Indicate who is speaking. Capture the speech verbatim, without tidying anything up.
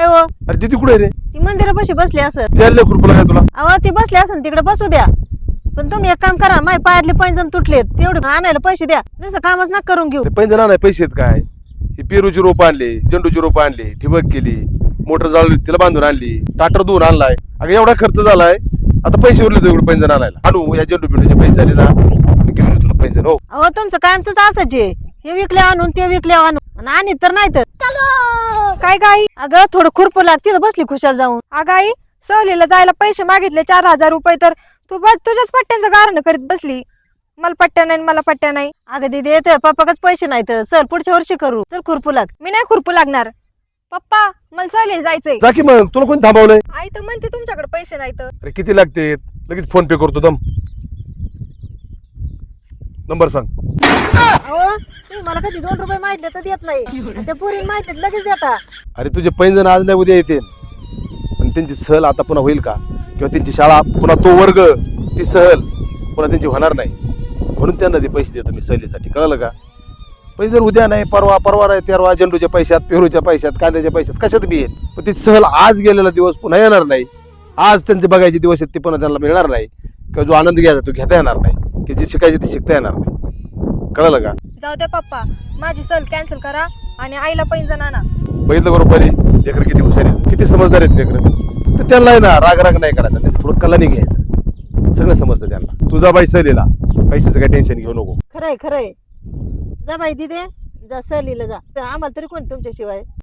Speaker 1: हो
Speaker 2: अरे दीदी कुठे रे?
Speaker 1: ती मंदिरापाशी बसली असं.
Speaker 2: त्याला खुरपला काय तुला?
Speaker 1: अहो ती बसली असं तिकडे बसू द्या. पण तुम्ही एक काम करा, माझ्या पायातले पैंजण तुटलेत तेवढे आणायला पैसे द्या. नुसतं कामच ना करून घेऊ.
Speaker 2: पैंजण नाही पैसे आहेत काय? ही पेरूची रोप आणली, झेंडूची रोप आणली, ठिबक केली, मोटर जाळली, तिला बांधून आणली, टाटर धुवून आणलाय. अगं एवढा खर्च झालाय, आता पैसे उरले तर एवढे पैंजण आणायला. आणू या झेंडू बिंडूचे पैसे आले ना, मी घेऊन येतो तुला पैंजण. हो
Speaker 1: अहो तुमचं कायमच असंच आहे, हे विकले आणून ते विकले आणून आणि तर नाही तर.
Speaker 3: काय गाई?
Speaker 1: अगं थोडं खुरपू लाग, तिथं बसली खुशाल जाऊन.
Speaker 3: अगं आई, सहलीला जायला पैसे मागितले चार हजार रुपये तर तू बघ तुझ्याच पट्ट्यांचं गारणं करीत बसली. मला पट्ट्या नाही मला पट्ट्या नाही.
Speaker 1: अगं दीदी येतोय पप्पाकच पैसे नाहीत. सर पुढच्या वर्षी करू. चल खुरपू लाग.
Speaker 3: मी नाही खुरपू लागणार. पप्पा मला सहलीला जायचंय.
Speaker 2: जा की मग, तुला कोणी थांबवलंय?
Speaker 3: आई तर म्हणते तुमच्याकडे पैसे नाहीत.
Speaker 2: अरे किती लागते? लगेच फोन पे करतो. दम नंबर सांग.
Speaker 1: अहो तुम्ही मला कधी दोन रुपये माहितले तर देत नाही, त्या पुरी माहिती लगेच देता.
Speaker 2: अरे तुझे पैंजण आज नाही उद्या येते, पण त्यांची सहल आता पुन्हा होईल का? किंवा त्यांची शाळा पुन्हा तो वर्ग, ती सहल पुन्हा त्यांची होणार नाही. म्हणून त्यांना ते पैसे देतो मी सहलीसाठी, कळलं का? पैसे उद्या नाही, परवा परवा नाही, तेरवा झेंडूच्या पैशात, पेरूच्या पैशात, कांद्याच्या पैशात, कशात बी येईल. पण ती सहल आज गेलेला दिवस पुन्हा येणार नाही. आज त्यांचे बघायचे दिवस आहेत ते पुन्हा त्यांना मिळणार नाही. किंवा जो आनंद घ्यायचा तो घेता येणार नाही, की जे शिकायचे ते शिकता येणार नाही. कळलं का?
Speaker 3: जाऊ द्या पप्पा, माझी सहल कॅन्सल करा आणि आईला पैंजण आणा.
Speaker 2: बघितलं बरोबर आहे, लेकर किती हुशार आहेत, किती समजदार आहेत लेकर. तर त्यांना आहे ना राग राग नाही करायचा, त्यांचं थोडं कलाने घ्यायचं, सगळं समजतं त्यांना. तुझा बाई सहलीला पैशाचं काही टेन्शन घेऊ नको.
Speaker 1: खरंय खरंय. जा बाई दिदे, जा सहलीला जा. आम्हाला तरी कोण तुमच्याशिवाय.